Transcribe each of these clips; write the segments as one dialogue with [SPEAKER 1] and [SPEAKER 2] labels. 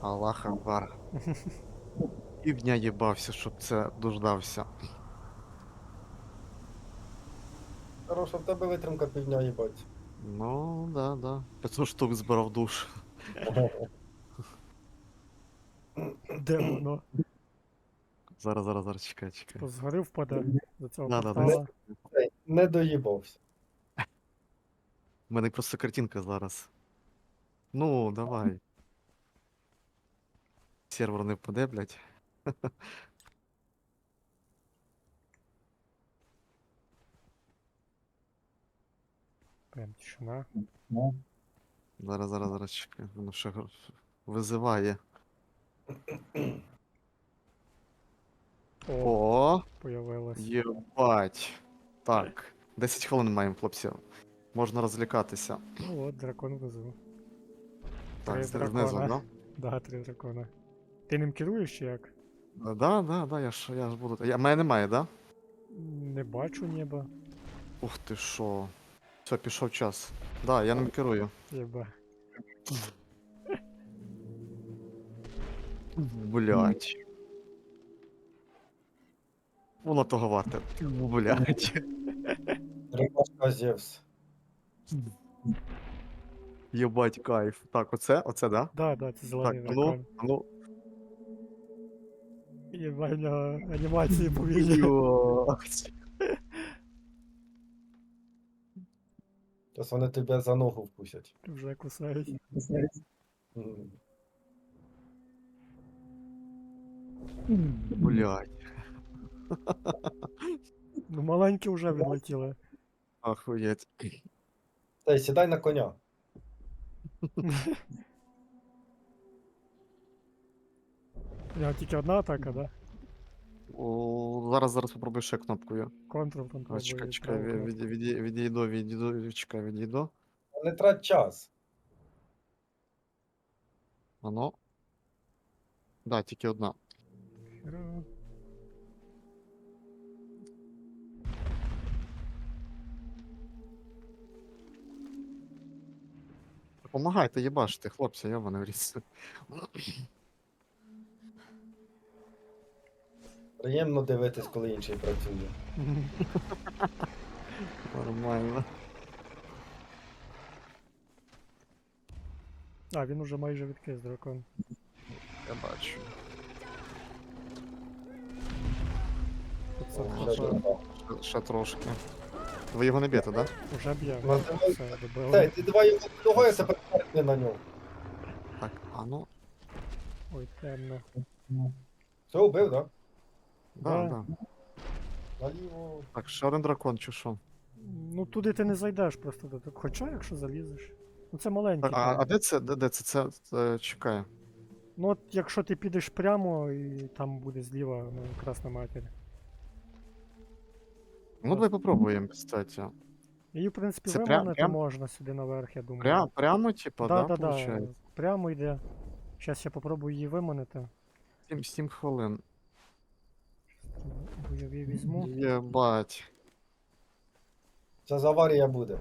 [SPEAKER 1] Аллах Акбар. Півдня їбався, щоб це дождався.
[SPEAKER 2] Хороша, в тебе витримка півдня, їбать.
[SPEAKER 1] Ну, да, да. 500 штук збирав душ.
[SPEAKER 3] Де воно?
[SPEAKER 1] Зараз, чекай, чекай.
[SPEAKER 3] Типу згори впаде до цього
[SPEAKER 1] Да,
[SPEAKER 3] портала.
[SPEAKER 2] Не доїбався.
[SPEAKER 1] У мене просто картинка зараз. Ну, давай. Сервер не впаде, блядь.
[SPEAKER 3] Прям тишина.
[SPEAKER 1] Зараз, чекай. Воно ще визиває.
[SPEAKER 3] О,
[SPEAKER 1] О,
[SPEAKER 3] появилось.
[SPEAKER 1] єбать. Так. 10 хвилин маємо, хлопці. Можна розлікатися.
[SPEAKER 3] Ну от, дракон везу.
[SPEAKER 1] Так,
[SPEAKER 3] Три
[SPEAKER 1] знизу,
[SPEAKER 3] дракона.
[SPEAKER 1] да?
[SPEAKER 3] Да, 3 дракона. Ти ним керуєш чи як?
[SPEAKER 1] Да, я ж буду. Мене немає, да?
[SPEAKER 3] Не бачу неба.
[SPEAKER 1] Ух ти шо. Все, пішов час. Да, я ним керую.
[SPEAKER 3] Єба.
[SPEAKER 1] Блять. Воно того варте. Блять.
[SPEAKER 2] Рибашка Зевс.
[SPEAKER 1] Єбать кайф. Так, оце, да?
[SPEAKER 3] Да, це
[SPEAKER 1] Так,
[SPEAKER 3] зелений
[SPEAKER 1] а
[SPEAKER 3] дракон.
[SPEAKER 1] ну.
[SPEAKER 3] Єба, в нього анімації повільні.
[SPEAKER 1] Блять.
[SPEAKER 2] Зараз вони тебе за ногу вкусять.
[SPEAKER 3] Вже кусають.
[SPEAKER 2] М.
[SPEAKER 1] Блять.
[SPEAKER 3] Ну маленькі вже відлетіли.
[SPEAKER 1] Охуєть.
[SPEAKER 2] Та й сідай на коня.
[SPEAKER 3] У нього тільки одна атака, да?
[SPEAKER 1] Зараз попробую ще кнопкою.
[SPEAKER 3] Контрол там
[SPEAKER 1] А, чекай,
[SPEAKER 3] пробує.
[SPEAKER 1] чекай, відійду, чекай, відійду.
[SPEAKER 2] Не трать час.
[SPEAKER 1] Ано. Да, тільки одна. Помагайте, їбаште, хлопці, я в ріс.
[SPEAKER 2] Приємно дивитись, коли інший працює.
[SPEAKER 1] Нормально.
[SPEAKER 3] А, він уже майже відкис дракон.
[SPEAKER 1] Я бачу.
[SPEAKER 3] Тут це
[SPEAKER 2] О,
[SPEAKER 3] вже
[SPEAKER 2] вже добре.
[SPEAKER 1] Ще трошки. Ви його не б'єте, да?
[SPEAKER 3] Уже б'є.
[SPEAKER 2] Ну,
[SPEAKER 3] Все, добило.
[SPEAKER 2] Та, ти давай його того, я тепер не на нього.
[SPEAKER 1] Так, а ну.
[SPEAKER 3] Ой, темно.
[SPEAKER 2] Все, убив, так?
[SPEAKER 1] Да,
[SPEAKER 3] Да.
[SPEAKER 1] да.
[SPEAKER 2] Наліво.
[SPEAKER 1] Так, ще один дракон чи що?
[SPEAKER 3] Ну туди ти не зайдеш просто до того. Хоча, якщо залізеш. Ну це маленький.
[SPEAKER 1] Так, а
[SPEAKER 3] там.
[SPEAKER 1] де це? Де це? Це чекає.
[SPEAKER 3] Ну от якщо ти підеш прямо і там буде зліва, ну, Красна Матір.
[SPEAKER 1] Ну, давай попробуємо, кстати.
[SPEAKER 3] Її, в принципі,
[SPEAKER 1] Це
[SPEAKER 3] виманити
[SPEAKER 1] прям?
[SPEAKER 3] можна сюди наверх, я думаю.
[SPEAKER 1] Прямо, типа, да,
[SPEAKER 3] Да.
[SPEAKER 1] получається?
[SPEAKER 3] Прямо йде. Зараз я попробую її виманити.
[SPEAKER 1] 7 хвилин.
[SPEAKER 3] Бойові візьму.
[SPEAKER 1] Єбать.
[SPEAKER 2] Зараз аварія буде.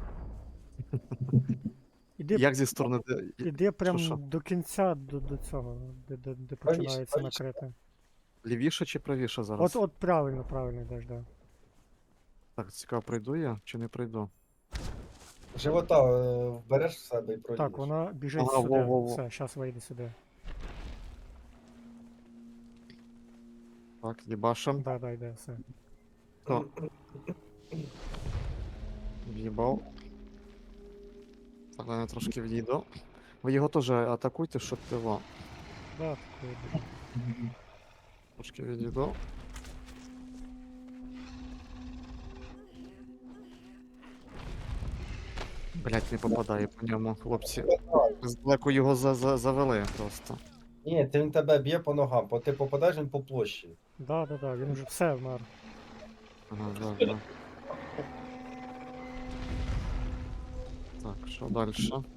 [SPEAKER 3] Іди,
[SPEAKER 1] Як зі сторони...
[SPEAKER 3] іди прям
[SPEAKER 1] що?
[SPEAKER 3] до кінця до цього, де починається
[SPEAKER 2] правіше.
[SPEAKER 3] накрите.
[SPEAKER 1] Лівіше чи правіше зараз?
[SPEAKER 3] От правильно йдеш, да.
[SPEAKER 1] Так, цікаво, пройду я чи не пройду?
[SPEAKER 2] Живота вбереш в себе і пройдеш.
[SPEAKER 3] Так, вона біжить
[SPEAKER 1] Ага,
[SPEAKER 3] сюди.
[SPEAKER 1] во-во-во.
[SPEAKER 3] Все, зараз вийде сюди.
[SPEAKER 1] Так, їбашим.
[SPEAKER 3] Да, йде, все.
[SPEAKER 1] Хто? В'їбав. Так, я трошки відійду. Ви його теж атакуйте, щоб його.
[SPEAKER 3] Да, такої буде.
[SPEAKER 1] Трошки відійду. Блять, не попадає по ньому, хлопці. Здалеку його завели просто.
[SPEAKER 2] Ні, він тебе б'є по ногам, бо ти попадаєш він по площі.
[SPEAKER 3] Да, він вже все вмер.
[SPEAKER 1] Ага, да. Так, що далі?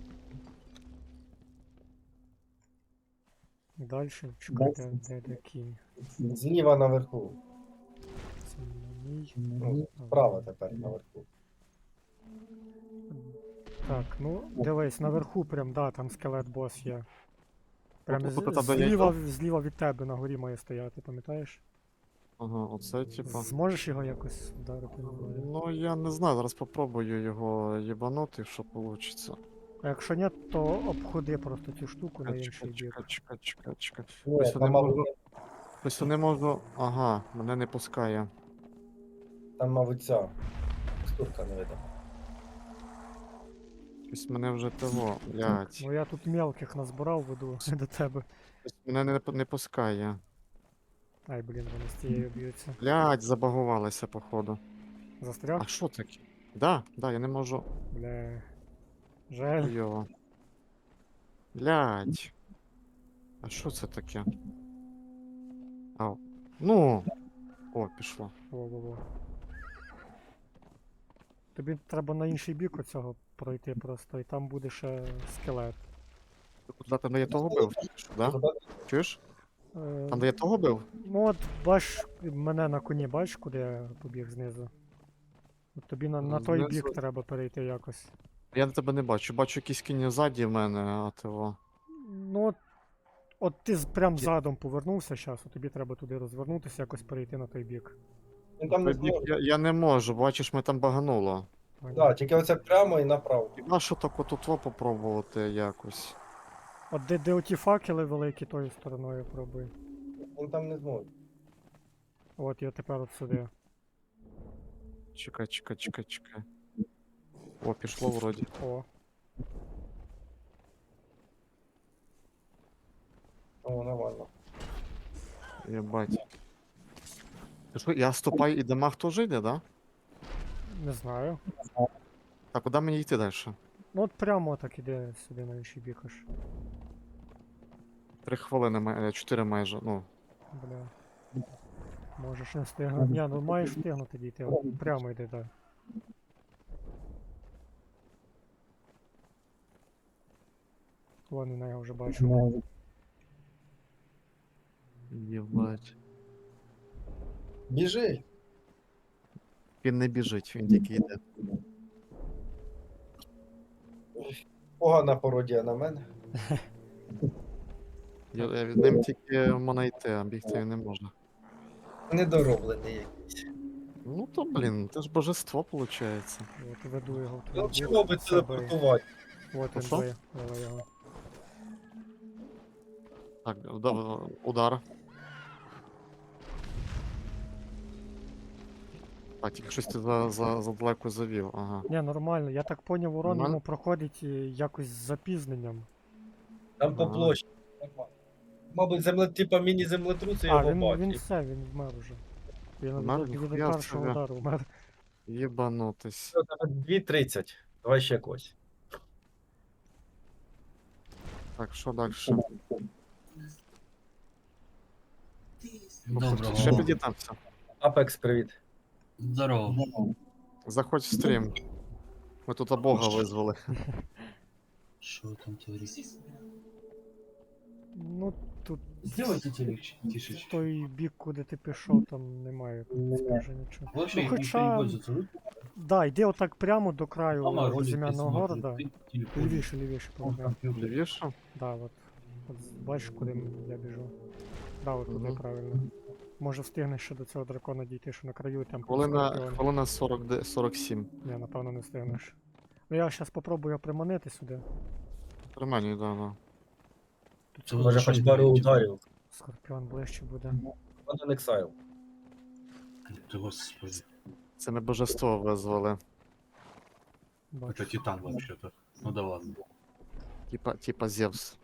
[SPEAKER 3] Дальше чекайте, де кінь.
[SPEAKER 2] Зліва наверху.
[SPEAKER 3] Це не мій.
[SPEAKER 2] Ну, справа тепер наверху.
[SPEAKER 3] Так, ну дивись, наверху прям, да, там скелет бос є. Прям
[SPEAKER 1] Тут там, де я
[SPEAKER 3] зліва,
[SPEAKER 1] йду?
[SPEAKER 3] зліва від тебе на горі має стояти, пам'ятаєш?
[SPEAKER 1] Ага, оце, типа.
[SPEAKER 3] Зможеш його якось вдарити? Не знаю.
[SPEAKER 1] Ну, я не знаю, зараз попробую його їбанути, що вийде.
[SPEAKER 3] А якщо ні, то обходи просто цю штуку на інший бік.
[SPEAKER 1] Чекай.
[SPEAKER 2] Ні,
[SPEAKER 1] Ось не
[SPEAKER 2] там,
[SPEAKER 1] можу.
[SPEAKER 2] мабуть,
[SPEAKER 1] Ось не можу. Ага, мене не пускає.
[SPEAKER 2] там, мабуть, ця штука не видно.
[SPEAKER 1] Ось мене вже того, блядь.
[SPEAKER 3] Ну я тут мелких назбирав, веду до тебе.
[SPEAKER 1] Ось мене не пускає.
[SPEAKER 3] Ай, блін, вони з цією б'ються.
[SPEAKER 1] Блядь, забагувалися, походу.
[SPEAKER 3] Застряг?
[SPEAKER 1] А що таке? Да, я не можу.
[SPEAKER 3] Бля. Жаль.
[SPEAKER 1] Хуйово. Блядь. А що це таке? Ау. Ну. О, пішло.
[SPEAKER 3] Во-во-во. Тобі треба на інший бік оцього пройти просто, і там буде ще скелет.
[SPEAKER 1] Куди там, де я того бив? Да? Чуєш? Там, де я того бив?
[SPEAKER 3] Ну от, бач, мене на коні, бач, куди я побіг знизу. От тобі на той
[SPEAKER 1] Знизу?
[SPEAKER 3] бік треба перейти якось.
[SPEAKER 1] Я тебе не бачу. Бачу якісь кінь ззаді в мене, а того.
[SPEAKER 3] Ну от ти прям задом повернувся зараз, от тобі треба туди розвернутися, якось перейти на той бік.
[SPEAKER 2] Він там не
[SPEAKER 1] Той бік
[SPEAKER 2] зможе.
[SPEAKER 1] я не можу, бачиш, ми там багануло.
[SPEAKER 3] Поняв?
[SPEAKER 2] Да, тільки оце прямо і направо.
[SPEAKER 1] А що так от попробувати якось?
[SPEAKER 3] От де оті факели великі, тою стороною пробуй.
[SPEAKER 2] Він там не зможе.
[SPEAKER 3] От я тепер от сюди.
[SPEAKER 1] Чекай. О, пішло вроді.
[SPEAKER 3] О.
[SPEAKER 2] О, нормально.
[SPEAKER 1] Єбать. Ти що, я ступаю і дамаг теж йде, да?
[SPEAKER 3] Не знаю.
[SPEAKER 1] Так, куди мені йти далі?
[SPEAKER 3] Ну от прямо так іде сюди на інший бік аж.
[SPEAKER 1] 3 хвилини, 4 майже, ну.
[SPEAKER 3] Бля. Можеш не встигнути. Ні, ну маєш встигнути дійти. От прямо йди, так. Вон я вже бачу.
[SPEAKER 1] Єбать.
[SPEAKER 2] Біжи!
[SPEAKER 1] Він не біжить, він тільки йде.
[SPEAKER 2] Погана пародія на мене.
[SPEAKER 1] Я від ним тільки можна йти, а бігти він не можна.
[SPEAKER 2] Недороблений.
[SPEAKER 1] Ну то, блін, це ж божество, виходить.
[SPEAKER 3] От веду його в
[SPEAKER 2] Ну,
[SPEAKER 3] той бік.
[SPEAKER 2] чого би
[SPEAKER 3] Все, бий.
[SPEAKER 2] телепортувати?
[SPEAKER 3] От він
[SPEAKER 1] Що?
[SPEAKER 3] бий. Давай його.
[SPEAKER 1] Так, удар. Так, тільки щось ти задалеко завів, ага.
[SPEAKER 3] Ні, нормально. Я так поняв, урон
[SPEAKER 1] Нормально?
[SPEAKER 3] йому проходить якось з запізненням.
[SPEAKER 2] Там по
[SPEAKER 1] Ага.
[SPEAKER 2] площі. Нормально. Мабуть, типа міні-землетруси
[SPEAKER 3] А,
[SPEAKER 2] його
[SPEAKER 3] він
[SPEAKER 2] бачить.
[SPEAKER 3] все, він вмер уже. Він
[SPEAKER 1] Вмер?
[SPEAKER 3] від
[SPEAKER 1] Ніхуя
[SPEAKER 3] першого
[SPEAKER 1] собі.
[SPEAKER 3] удару вмер.
[SPEAKER 1] Єбанутись.
[SPEAKER 2] 2:30. Давай ще когось.
[SPEAKER 1] Так, що далі?
[SPEAKER 4] Доброго.
[SPEAKER 1] Ще під'єднався.
[SPEAKER 2] Апекс, привіт.
[SPEAKER 4] Здорово.
[SPEAKER 1] Заходь в стрім. Ми тут Бога визвали.
[SPEAKER 4] Что там творится?
[SPEAKER 3] Ну, тут
[SPEAKER 4] Сделайте телек тише.
[SPEAKER 3] той бік, куди ти пішов, там немає майже нічого.
[SPEAKER 4] Вообще
[SPEAKER 3] Ну,
[SPEAKER 4] никто
[SPEAKER 3] хоча-
[SPEAKER 4] не пользуется. Вы
[SPEAKER 3] Да, йди отак прямо до
[SPEAKER 4] мама
[SPEAKER 3] краю
[SPEAKER 4] ролик
[SPEAKER 3] безім'яного
[SPEAKER 4] посмотрит,
[SPEAKER 3] города.
[SPEAKER 4] ты телефон,
[SPEAKER 3] Лівіше,
[SPEAKER 4] он
[SPEAKER 3] по
[SPEAKER 4] компьютер.
[SPEAKER 1] Лівіше?
[SPEAKER 3] Да, от. От бачиш, куди я біжу. Да, от туди
[SPEAKER 1] Мгм.
[SPEAKER 3] правильно. Може встигнеш ще до цього дракона дійти, що на краю, і там
[SPEAKER 1] Хвилина,
[SPEAKER 3] скорпіон.
[SPEAKER 1] хвилина 47.
[SPEAKER 3] Ні, напевно не встигнеш. Ну я зараз попробую приманити сюди.
[SPEAKER 1] При мені, да.
[SPEAKER 3] Тут
[SPEAKER 4] Це
[SPEAKER 2] Може,
[SPEAKER 4] що
[SPEAKER 2] хоч
[SPEAKER 4] ви
[SPEAKER 2] пару
[SPEAKER 4] робите?
[SPEAKER 2] ударів.
[SPEAKER 3] скорпіон ближче буде.
[SPEAKER 2] Один Exile.
[SPEAKER 4] Ты, господи.
[SPEAKER 1] Це ми божество визвали.
[SPEAKER 3] Бачу.
[SPEAKER 4] Это Титан вообще-то. Ну да ладно.
[SPEAKER 1] Типа Зевс.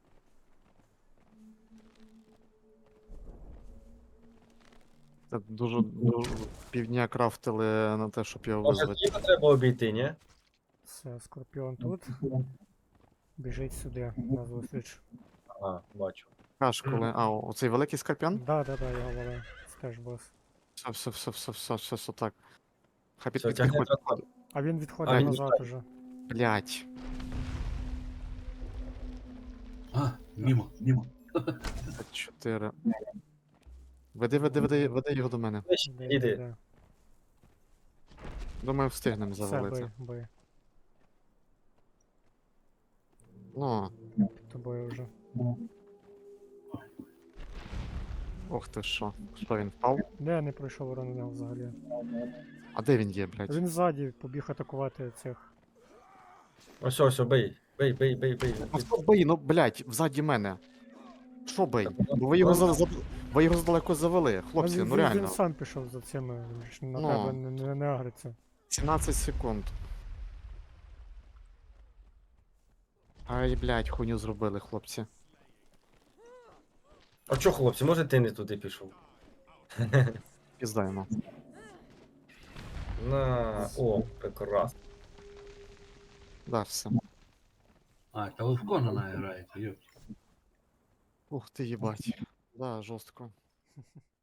[SPEAKER 1] Це дуже півдня крафтили на те, щоб його
[SPEAKER 2] Може,
[SPEAKER 1] визвати.
[SPEAKER 2] Кіна треба обійти, ні?
[SPEAKER 3] Все, скорпіон тут. Біжить сюди, на зустріч.
[SPEAKER 2] Ага, бачу.
[SPEAKER 1] Аж коли. А, оцей великий скорпіон?
[SPEAKER 3] Да, його вали. Стеж бос.
[SPEAKER 1] Все, так. Хай
[SPEAKER 2] Все,
[SPEAKER 1] підходить.
[SPEAKER 2] тягне
[SPEAKER 3] А він відходить
[SPEAKER 1] А, він
[SPEAKER 3] назад уже.
[SPEAKER 1] Блять.
[SPEAKER 4] А, мимо.
[SPEAKER 1] 4. Веди його до мене.
[SPEAKER 2] Іди.
[SPEAKER 3] Іде.
[SPEAKER 1] Думаю, встигнемо
[SPEAKER 3] Все,
[SPEAKER 1] завалити.
[SPEAKER 3] бий.
[SPEAKER 1] Ну,
[SPEAKER 3] Під тобою вже.
[SPEAKER 1] Ох ти що. Що він впав?
[SPEAKER 3] Не пройшов урон у нього взагалі.
[SPEAKER 1] А де він є, блядь?
[SPEAKER 3] Він ззаді побіг атакувати цих.
[SPEAKER 2] Ось, бий. Бий.
[SPEAKER 1] Ну хто бий, ну блядь, взаді мене. Що бий? Бо ви його ви його задалеко завели, хлопці,
[SPEAKER 3] Він-
[SPEAKER 1] ну
[SPEAKER 3] він
[SPEAKER 1] реально.
[SPEAKER 3] сам пішов за цими, він ж на
[SPEAKER 1] Ну.
[SPEAKER 3] тебе не агриться.
[SPEAKER 1] 17 секунд. Ай, блядь, хуйню зробили, хлопці.
[SPEAKER 2] А чо, хлопці, може ти не туди пішов?
[SPEAKER 1] Піздаємо.
[SPEAKER 2] О, прекрасно.
[SPEAKER 1] Да, все.
[SPEAKER 4] А, та ви в Конана граєте, йоп.
[SPEAKER 1] Ух ти, їбать. Да, жорстко.